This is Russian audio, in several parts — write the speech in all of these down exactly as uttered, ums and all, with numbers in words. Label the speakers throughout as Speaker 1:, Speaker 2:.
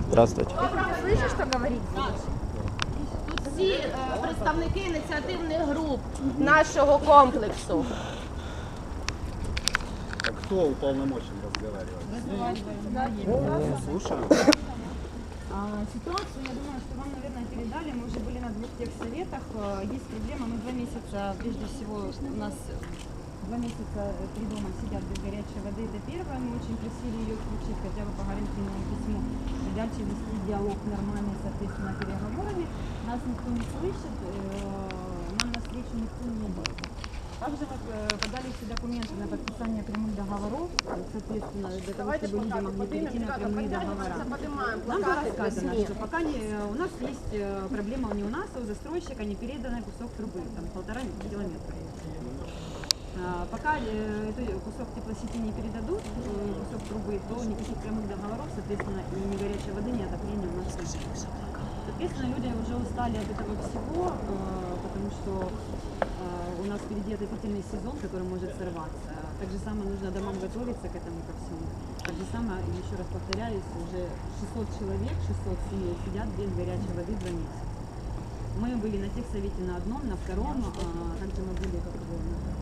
Speaker 1: Здравствуйте.
Speaker 2: Слышишь, что говорит?
Speaker 3: Тут всі е, представники ініціативних груп нашого комплексу.
Speaker 4: А кто уполномочен разговаривать? Слушаю.
Speaker 5: А, ситуацию, я думаю, что вам, наверное, передали. Мы уже были на двух техсоветах. Э, Есть проблема. Мы два месяца, прежде всего, у нас два месяца три дома сидят без горячей воды. Это первое. Мы очень просили ее включить хотя бы по гарантийному письму. И дальше вести диалог нормальный, соответственно, переговорами. Нас никто не слышит, э, нам навстречу никто не идет. Также мы э, подали все документы на подписание прямых договоров, соответственно, для того, чтобы люди могли перейти на прямые договора. Нам было сказано, что пока не, у нас есть э, проблема не у нас, а у застройщика не переданный кусок трубы, там полтора километра. А, пока э, этот кусок теплосети не передадут, э, кусок трубы, то никаких прямых договоров, соответственно, и ни горячей воды, ни отопления у нас нет. Соответственно, люди уже устали от этого всего, э, потому что э, у нас впереди отопительный сезон, который может сорваться. Так же самое нужно домам готовиться к этому ко всему. Так же самое, еще раз повторяюсь, уже шестьсот человек, шестьсот семей сидят без горячей воды два месяца. Мы были на техсовете на одном, на втором, а также мы были как бы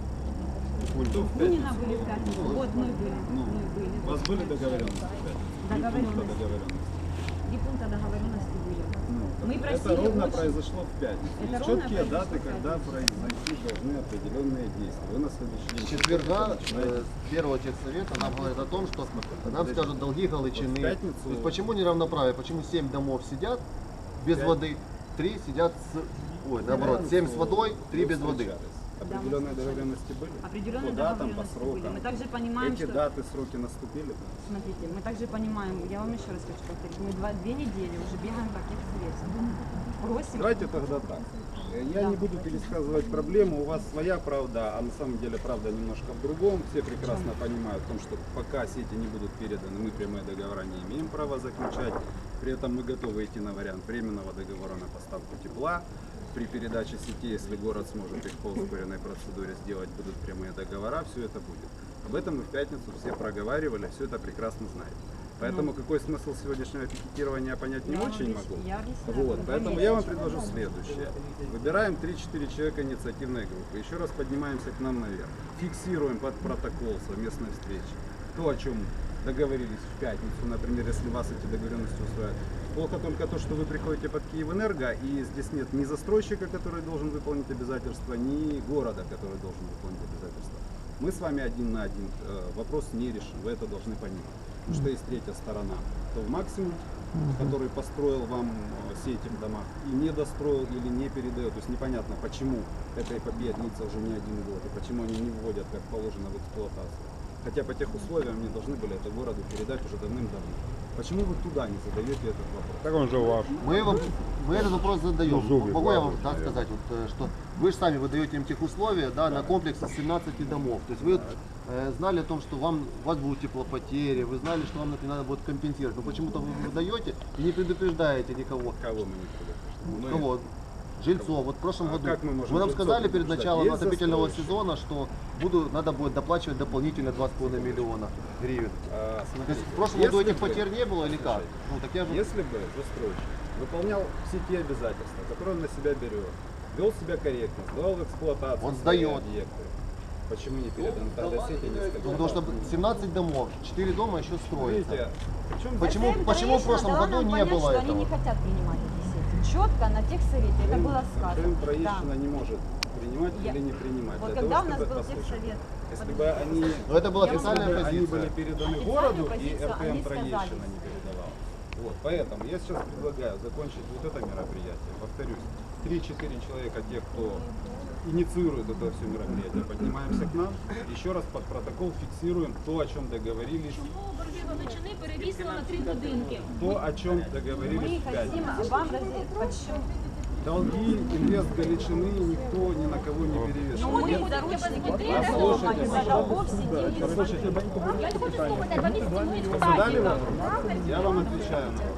Speaker 5: Бунина были в пятницу. Вот мы были.
Speaker 4: Ну,
Speaker 5: мы были.
Speaker 4: у вас были договоренности?
Speaker 5: Договоренности.
Speaker 4: договоренности.
Speaker 5: Три пункта договоренности были.
Speaker 4: Ну,
Speaker 5: Мы
Speaker 4: это
Speaker 5: просили
Speaker 4: ровно
Speaker 5: очень-
Speaker 4: произошло в пятницу.
Speaker 5: Это
Speaker 4: Есть
Speaker 5: ровно
Speaker 4: четкие
Speaker 5: произошло
Speaker 4: даты,
Speaker 5: в
Speaker 4: когда произойти должны определенные действия. Вы на следующий день.
Speaker 6: С четверга
Speaker 4: начинаете.
Speaker 6: э, с первого техсовета нам говорят о том, что нам скажут долги Галичины.
Speaker 4: Вот в пятницу-
Speaker 6: То есть почему неравноправие, почему семь домов сидят без
Speaker 4: Пять-
Speaker 6: воды, три сидят с... Ой, наоборот, семь с водой, три без воды.
Speaker 4: Определенные договоренности были?
Speaker 5: Определенные
Speaker 4: По датам, по
Speaker 5: договоренности были.
Speaker 4: срокам.
Speaker 5: Мы также понимаем,
Speaker 4: Эти
Speaker 5: что...
Speaker 4: даты, сроки наступили?
Speaker 5: Смотрите, мы также понимаем, я вам еще раз хочу повторить, мы два, две недели уже бегаем по техсоветам. Просим...
Speaker 4: Давайте тогда так. Я
Speaker 5: Да.
Speaker 4: не буду пересказывать проблему, у вас своя правда, а на самом деле правда немножко в другом. Все прекрасно понимают о том, что пока сети не будут переданы, мы прямые договора не имеем права заключать. При этом мы готовы идти на вариант временного договора на поставку тепла. При передаче сети, если город сможет их по ускоренной процедуре сделать, будут прямые договора, все это будет. Об этом мы в пятницу все проговаривали, все это прекрасно знаете. Поэтому
Speaker 5: Ну.
Speaker 4: какой смысл сегодняшнего пикетирования понять не
Speaker 5: Я вам
Speaker 4: очень
Speaker 5: объяс-
Speaker 4: могу.
Speaker 5: я объясняю.
Speaker 4: Вот,
Speaker 5: Вы
Speaker 4: поэтому
Speaker 5: поймите.
Speaker 4: я вам предложу следующее. Выбираем три-четыре человека инициативной группы. Еще раз поднимаемся к нам наверх. Фиксируем под протокол совместной встречи то, о чем договорились в пятницу, например, если вас эти договоренности устраивают. Плохо только то, что вы приходите под Киевэнерго, и здесь нет ни застройщика, который должен выполнить обязательства, ни города, который должен выполнить обязательства. Мы с вами один на один э, вопрос не решим, вы это должны понимать. Потому что есть третья сторона, то в максимум, который построил вам э, сети в домах и не достроил или не передает. То есть непонятно, почему эта эпопея длится уже не один год, и почему они не вводят, как положено, в эксплуатацию. Хотя по тех условиям они должны были это городу передать уже давным-давно. Почему вы туда не задаете этот вопрос?
Speaker 1: Так он же ваш.
Speaker 6: Мы, вам, мы этот вопрос задаем.
Speaker 1: Ну, зубы
Speaker 6: Могу я вам
Speaker 1: вкладывают,
Speaker 6: так
Speaker 1: наверное.
Speaker 6: сказать, вот, э, что вы же сами выдаете им тех условия, да, на комплекс из семнадцати домов. То есть вы э, знали о том, что вам, у вас будут теплопотери, вы знали, что вам это надо будет компенсировать. Но почему-то вы выдаете и не предупреждаете никого.
Speaker 4: Кого мы не предупреждаем? Мы-
Speaker 6: Кого? Жильцов. Вот в прошлом
Speaker 4: А
Speaker 6: году
Speaker 4: как мы можем
Speaker 6: вы нам
Speaker 4: жильцов
Speaker 6: сказали перед
Speaker 4: предупреждать?
Speaker 6: началом
Speaker 4: Есть
Speaker 6: отопительного
Speaker 4: застройщик.
Speaker 6: сезона, что буду, надо будет доплачивать дополнительно два с половиной миллиона гривен.
Speaker 4: А,
Speaker 6: То
Speaker 4: смотрите,
Speaker 6: есть в прошлом году
Speaker 4: если
Speaker 6: этих
Speaker 4: бы-
Speaker 6: потерь не было или как?
Speaker 4: Слушайте,
Speaker 6: Ну, так я же...
Speaker 4: Если бы застройщик выполнял все те обязательства, которые он на себя берет, вел себя корректно, сдавал в эксплуатацию
Speaker 6: Он
Speaker 4: свои
Speaker 6: сдает.
Speaker 4: объекты, почему не переданы тогда сети несколько?
Speaker 6: Ну, потому что семнадцать домов, четыре дома еще строятся.
Speaker 4: Видите, причем
Speaker 6: Почему,
Speaker 2: СМ
Speaker 6: почему в
Speaker 2: Троещина
Speaker 6: прошлом
Speaker 2: дала
Speaker 6: году
Speaker 2: нам
Speaker 6: не
Speaker 2: понять,
Speaker 6: было
Speaker 2: что они не
Speaker 6: этого?
Speaker 2: хотят принимать эти сети. Четко на техсовете это было сказано.
Speaker 4: Крым
Speaker 2: Да.
Speaker 4: Троещина не может принимать
Speaker 2: Я-
Speaker 4: или не принимать.
Speaker 2: Вот
Speaker 4: Для
Speaker 2: когда
Speaker 4: того,
Speaker 2: у нас
Speaker 4: чтобы
Speaker 2: был
Speaker 4: послушать.
Speaker 2: техсовет,
Speaker 4: Если бы они,
Speaker 6: Но это была
Speaker 2: Я вам
Speaker 6: официальная
Speaker 4: если бы они
Speaker 6: позиция.
Speaker 4: были переданы
Speaker 2: Официальную
Speaker 4: городу, и
Speaker 2: позицию
Speaker 4: эр тэ
Speaker 2: они
Speaker 4: эм Троещина
Speaker 2: сказали.
Speaker 4: не передавал. Вот, поэтому я сейчас предлагаю закончить вот это мероприятие. Повторюсь, три-четыре человека, те, кто инициирует это все мероприятие, поднимаемся к нам, еще раз под протокол фиксируем то, о чем договорились,
Speaker 7: Чому борги Галичини перевісили на три будинки?
Speaker 4: то, о чем
Speaker 2: мы
Speaker 4: договорились в
Speaker 2: хотим
Speaker 4: пятницу.
Speaker 2: вам разъяснить, почему.
Speaker 4: Долги инвест Галичины никто ни на кого не перевешивает.
Speaker 2: Мы
Speaker 4: Нет,
Speaker 2: заручники
Speaker 4: Послушайте,
Speaker 2: дома, из-за
Speaker 4: пожалуйста.
Speaker 2: долгов сидели.
Speaker 4: Послушайте,
Speaker 7: Я хочу слухати, два місяці будуть
Speaker 4: задали
Speaker 7: в
Speaker 4: вопрос? Я вам отвечаю на вопрос.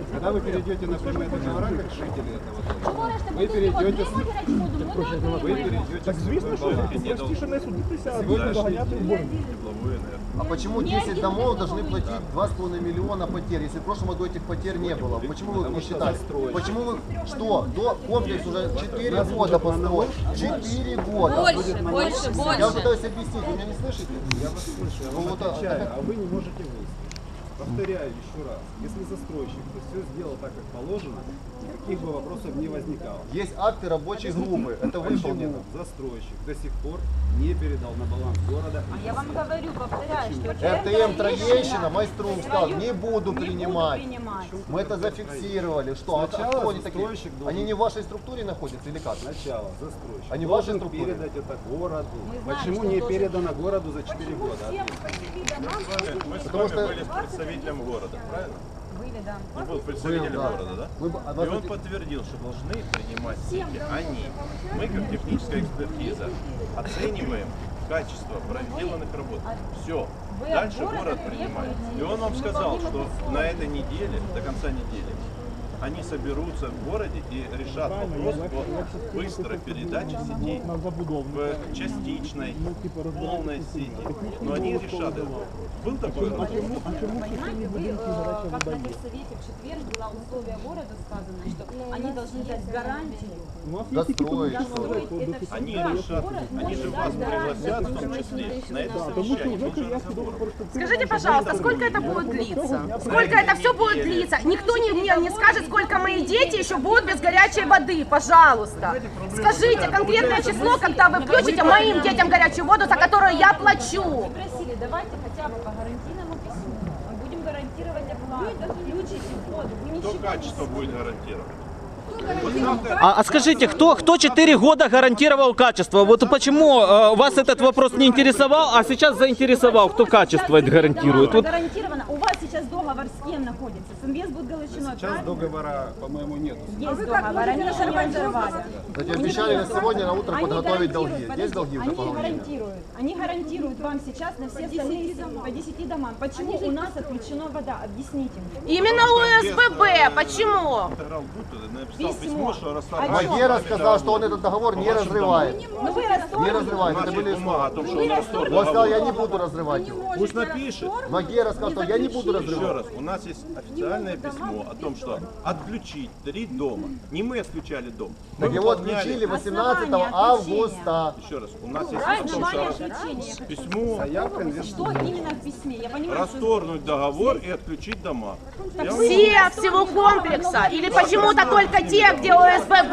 Speaker 4: Когда вы перейдете на прямые договора, как жители этого дома,
Speaker 7: Говориш,
Speaker 4: вы перейдете с...
Speaker 7: гарячу воду, ми не
Speaker 4: Вы
Speaker 7: отримуємо.
Speaker 4: перейдете с другой баланс.
Speaker 1: Простіше не судитися, а
Speaker 4: Сегодняшний
Speaker 1: доганяти
Speaker 4: день.
Speaker 1: борги.
Speaker 6: А почему десять домов должны платить два с половиной миллиона потерь, если в прошлом году этих потерь не было? Почему вы их не считали? Почему вы, что, до комплекс уже четыре года построен? четыре года.
Speaker 3: Больше, больше,
Speaker 6: Я
Speaker 3: больше.
Speaker 6: пытаюсь объяснить, вы меня не слышите?
Speaker 4: Я вас слышу, я
Speaker 6: Ну,
Speaker 4: вам
Speaker 6: вот, а,
Speaker 4: отвечаю,
Speaker 6: так-
Speaker 4: а вы не можете выяснить. Повторяю еще раз, если застройщик то все сделал так, как положено, никаких бы вопросов не возникало.
Speaker 6: Есть акты рабочей группы, это выполнено.
Speaker 4: Почему застройщик до сих пор не передал на баланс города?
Speaker 2: А я вам говорю, повторяю, что
Speaker 6: РТМ Троещина, Майструм сказал, не буду
Speaker 2: не
Speaker 6: принимать.
Speaker 2: буду принимать.
Speaker 6: Мы это зафиксировали. Что, а
Speaker 4: Сначала
Speaker 6: кто они такие?
Speaker 4: застройщик должен-
Speaker 6: Они не в вашей структуре находятся или как?
Speaker 4: Сначала застройщик
Speaker 6: Они в вашей
Speaker 4: должен
Speaker 6: структуре?
Speaker 4: передать это городу.
Speaker 2: Мы знаем,
Speaker 4: Почему
Speaker 2: что
Speaker 4: не
Speaker 2: должен-
Speaker 4: передано городу за четыре года?
Speaker 8: Мы с
Speaker 6: Потому
Speaker 8: вами
Speaker 6: что-
Speaker 8: были с представителем города, правильно?
Speaker 2: Были, да.
Speaker 8: Он был представителем
Speaker 6: Был, да.
Speaker 8: города, да?
Speaker 6: Мы бы- а
Speaker 8: И
Speaker 6: вас
Speaker 8: он
Speaker 6: это-
Speaker 8: подтвердил, что должны принимать деньги они. Мы, как техническая экспертиза, оцениваем качество проделанных работ. Все.
Speaker 2: Вы
Speaker 8: Дальше
Speaker 2: от города
Speaker 8: город принимает.
Speaker 2: требуете
Speaker 8: И он вам сказал, что
Speaker 2: выполнимых
Speaker 8: на этой неделе, до конца недели, они соберутся в городе и решат вопрос о быстрой передаче сетей
Speaker 1: На забудову.
Speaker 8: в частичной, полной сети. Но они решат это. Был такой вопрос?
Speaker 2: Понимаете, вы, э, как на техсовете в четверг было условие города сказано, что они должны дать гарантию.
Speaker 1: У нас есть какие-то
Speaker 6: Достроить.
Speaker 2: Достроить это все.
Speaker 8: Они
Speaker 2: Да,
Speaker 8: решат,
Speaker 2: город
Speaker 8: они
Speaker 2: может
Speaker 8: же
Speaker 2: дать
Speaker 8: вас
Speaker 2: гарантию.
Speaker 8: пригласят, в том числе, на это
Speaker 1: Потому что
Speaker 8: совещание.
Speaker 1: уже
Speaker 8: Был же
Speaker 1: Кудрявский
Speaker 8: разговор.
Speaker 1: договор.
Speaker 3: Скажите, пожалуйста, сколько это будет длиться? Сколько это все будет длиться? Никто не, не, не скажет, сколько мои дети еще будут без горячей воды, пожалуйста. Скажите конкретное число, когда вы включите моим детям горячую воду, за которую я плачу.
Speaker 2: Вы просили, давайте хотя бы по гарантийному письму. Мы будем гарантировать оплату. Включите воду. Вы
Speaker 8: Кто
Speaker 2: ничего
Speaker 8: качество будет гарантировать?
Speaker 9: А, а скажите, кто, кто четыре года гарантировал качество? Вот почему э, вас этот вопрос не интересовал, а сейчас заинтересовал, кто качество это гарантирует? Вот
Speaker 2: Гарантированно. У вас сейчас договор с кем находится? С Инвестбуд Галичиной,
Speaker 4: Сейчас
Speaker 2: правильно?
Speaker 4: договора, по-моему, нету.
Speaker 2: Есть договор, они еще не разорвали.
Speaker 6: Кстати, обещали на сегодня на утро
Speaker 2: Они
Speaker 6: подготовить долги.
Speaker 2: гарантируют,
Speaker 6: Есть долги уже
Speaker 2: они
Speaker 6: по Галине?
Speaker 2: гарантируют, они гарантируют вам сейчас на все остальные по десяти домам. Почему у нас отключена вода? Объясните мне.
Speaker 3: Именно у СББ, почему?
Speaker 8: Интеграл Групп написал
Speaker 2: Письмо.
Speaker 8: письмо, что
Speaker 2: О
Speaker 8: расторгает.
Speaker 2: чем?
Speaker 6: Магера сказал, что он этот договор не разрывает.
Speaker 2: Ну вы
Speaker 6: Не
Speaker 2: расторгли.
Speaker 6: разрывает.
Speaker 8: У
Speaker 6: Это
Speaker 8: нас
Speaker 6: были
Speaker 8: есть бумага о том, что он расторг
Speaker 6: Он сказал, я
Speaker 8: договор.
Speaker 6: не буду разрывать его.
Speaker 8: Пусть напишет.
Speaker 6: Магера сказал, что я не буду
Speaker 8: Еще
Speaker 6: разрывать.
Speaker 8: раз, у нас есть официальное письмо о том, что отключить три дома. Не мы отключали дом. Мы
Speaker 6: Так его
Speaker 8: выполняли-
Speaker 6: отключили восемнадцатого августа.
Speaker 8: Еще раз, у нас есть
Speaker 2: Основание
Speaker 8: о том, что
Speaker 2: отключения.
Speaker 8: письмо
Speaker 4: Заявка инвестора.
Speaker 2: Что именно в письме? Я понимаю, что
Speaker 8: расторгнуть договор и отключить дома. Я вам
Speaker 3: Все всего комплекса или почему-то только те, где у СББ?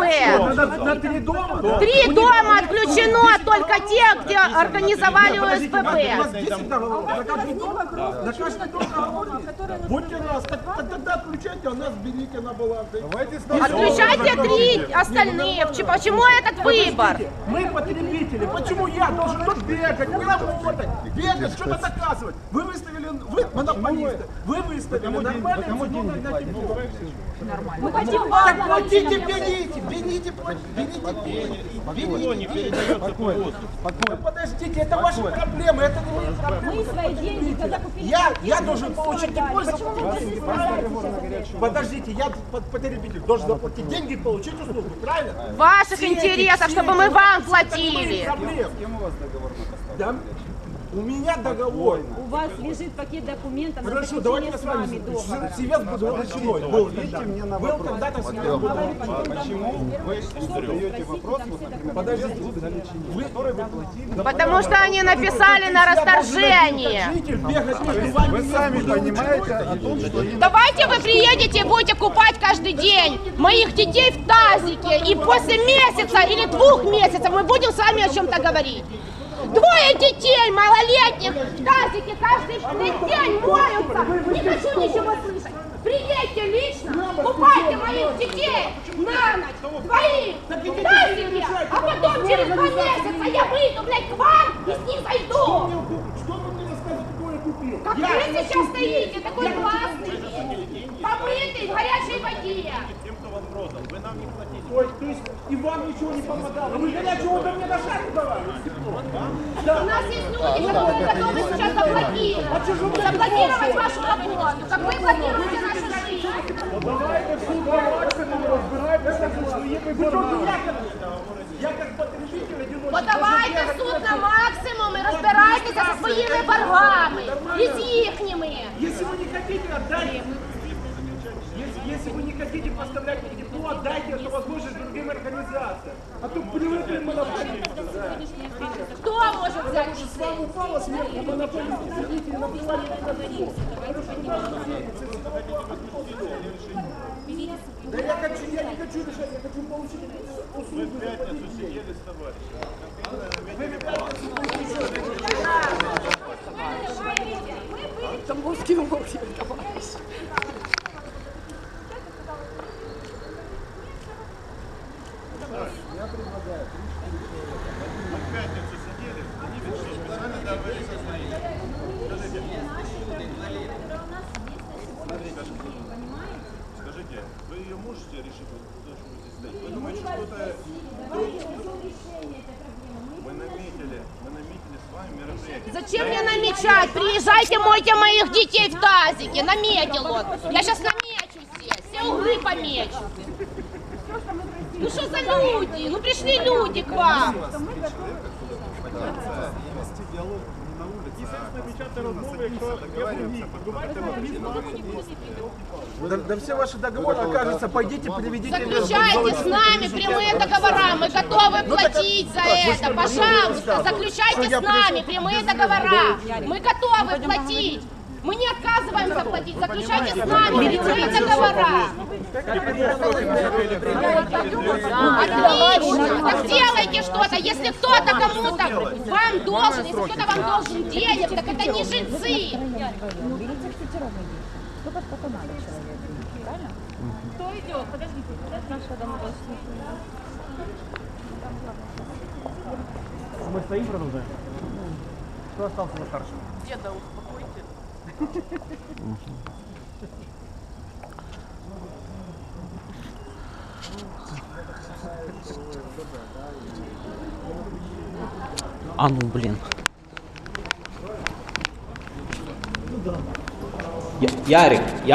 Speaker 1: На три дома?
Speaker 3: Три дома отключено, только те, где организовали у СББ.
Speaker 1: десять договоров. На каждый дом? На каждый дом договор есть? Будьте раз, так, так тогда отключайте, а нас берите на баланс.
Speaker 3: Отключайте три остальные. Ч- Почему этот выбор?
Speaker 1: Мы потребители. Почему я должен тут бегать, не работать, бегать, что-то доказывать? Вы выставили, вы монополисты, вы выставили нормальные цены на тепло.
Speaker 2: мы хотим вам
Speaker 1: Так платите, берите, берите, берите,
Speaker 8: Никто не передает воздух.
Speaker 1: Да подождите, это ваши проблемы, это не мои проблемы.
Speaker 2: Мы свои деньги, когда купили...
Speaker 1: Я, я должен получить тепло и
Speaker 2: Почему вы
Speaker 1: заплатить.
Speaker 2: не сейчас?
Speaker 1: Подождите, я под- потребитель должен заплатить деньги и получить услугу, правильно?
Speaker 3: В ваших интересах, чтобы мы вам платили.
Speaker 1: Проблем.
Speaker 4: С кем у вас договор на поставку?
Speaker 1: Да? У меня договор.
Speaker 2: У вас лежит пакет документов на
Speaker 1: Хорошо, давайте
Speaker 2: заключение
Speaker 1: я
Speaker 2: с
Speaker 1: с вами.
Speaker 2: вами договора.
Speaker 1: Севец был ручной. Был
Speaker 4: Ответьте
Speaker 1: когда-то.
Speaker 4: мне на
Speaker 1: Был
Speaker 4: вопрос.
Speaker 1: когда-то Севец
Speaker 4: А
Speaker 1: был.
Speaker 4: почему вы задаете вопрос, вот, например,
Speaker 1: Подождите,
Speaker 4: вы, который вы платили?
Speaker 3: Потому что они написали на расторжение.
Speaker 1: Житель бегать между вами
Speaker 4: Вы
Speaker 1: не
Speaker 4: сами
Speaker 1: будет.
Speaker 4: понимаете о том, что
Speaker 3: Давайте вы приедете и будете купать каждый день моих детей в тазике. И после месяца или двух месяцев мы будем с вами о чем-то говорить. Двое детей малолетних в тазике каждый день моются. Не хочу ничего слышать. Приедьте лично, купайте моих детей на ночь, двоих, в тазике, а потом через два месяца я выйду, блядь, к вам и с ним зайду.
Speaker 1: Что вы мне рассказываете, какое я купил?
Speaker 3: Как
Speaker 1: Я-
Speaker 3: вы сейчас стоите, такой классный, помытый, в горячей воде.
Speaker 8: Тем, кто вам продал, вы нам не платите.
Speaker 1: Ой, то есть и вам ничего не помогало. Вы горячего воду мне на шаг давали.
Speaker 3: У нас есть люди, которые готовы сейчас заблокировать. Заблокировать вашу работу, как вы блокируете нашу жизнь.
Speaker 1: Я как потребитель одиночный.
Speaker 3: Подавайте в суд на максимум і розбирайтеся зі своїми боргами і з їхніми.
Speaker 1: Если вы не хотите, отдайте. Если, если вы не хотите поставлять мне тепло, отдайте эту возможность другим организациям. А то привыкли монополисты.
Speaker 3: Хто може взяти?
Speaker 1: Потому что с вами упало сверху монополисты. Сидите и наплевали на все. Да я хочу, я не хочу решать, я хочу получить услугу.
Speaker 8: Мы в пятницу сидели с товарищем.
Speaker 3: Тамбовський мовчик, товариш.
Speaker 8: Мы в пятницу сидели, они ведь что, специально договорились со своими. Скажите, скажите, вы ее можете решить, вот то, что вы здесь стоите? Вы думаете, что это... Мы наметили, мы наметили с вами мероприятие.
Speaker 3: Зачем мне намечать? Приезжайте, мойте моих детей в тазике. Наметил он. Я сейчас намечу здесь. Все углы помечу. Ну что за люди? Ну пришли люди к вам.
Speaker 1: Да, да все ваши договоры окажутся, пойдите, приведите...
Speaker 3: Заключайте с нами прямые договора. Мы готовы платить за это. Пожалуйста, заключайте с нами прямые договора. Мы готовы платить. Мы не отказываемся платить. Заключайте с нами прямые договора. Отлично. Так делайте что-то. Если кто-то кому-то вам должен, если кто-то вам должен денег, так это не жильцы.
Speaker 7: Кто идет? Подождите, подождите.
Speaker 10: Мы стоим, продолжаем. Кто остался за старшим?
Speaker 3: Деда, успокойте.
Speaker 9: А ну блин. Я- Ярик, я